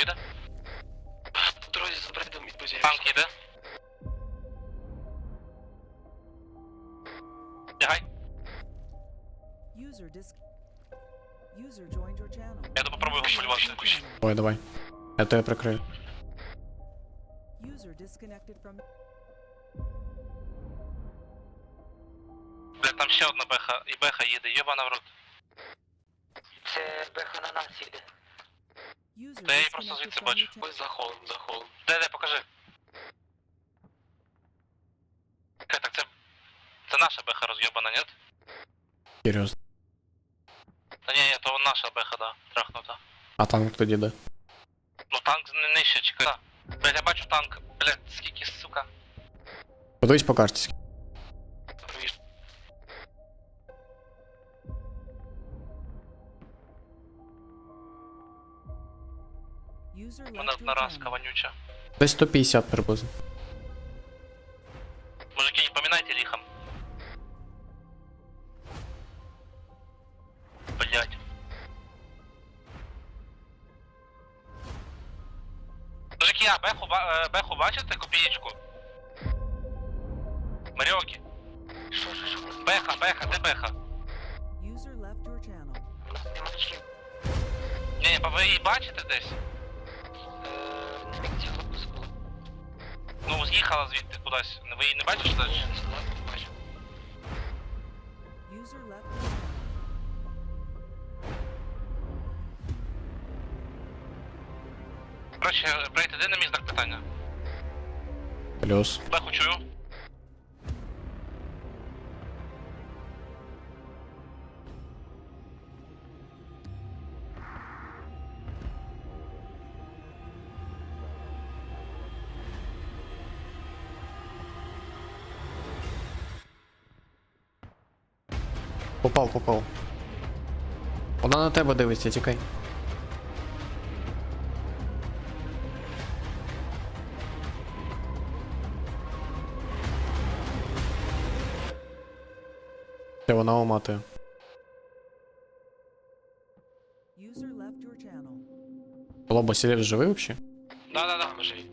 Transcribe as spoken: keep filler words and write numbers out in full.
їде? По дорозі з бредом відбузяєш. Танк їде. Бігай. User dis- User joined your channel. Я попробую його полювати. Давай, давай. Я тебе прикрию. User disconnected from. Бля, там ще одна беха, і беха їде, йобана в рот. Це беха на нас їде. User Та я її просто disconnected звідси from бачу. your channel. Ось за холм, за холм. Де, де, покажи. Окей, так це... Це наша беха роз'єбана, ні? Серйозно. Та ні, ні, то наша беха, да, трахнута. А танк тоді де? Ну танк не нижче, чекай. Блядь, я бачу танк. Блядь, скільки, сука. Подивись по карті. Провіж. User Вона left your наразка channel. вонюча. Десь сто п'ятдесят приблизно. Мужики, не поминайте лихом. Блядь. Мужики, а беху, ба- е, беху бачите, копієчку? Маріокі. Що, що, що? Беха, беха, де беха? User left your channel. У нас нема чим. Ні, ні, ви її бачите десь? Е, не міг цього було. Ну, з'їхала звідти кудись. Ви її не бачите далі? Ні, не знаю, не бачу. User left your channel. Коротше, брейт, іди на мій знак питання. Плюс. Беху чую. Попав, попав. Вона на тебе дивиться, тікай. Це вона оматує. User left your channel. Лоба, Селев живий взагалі? Да-да-да. Там живі.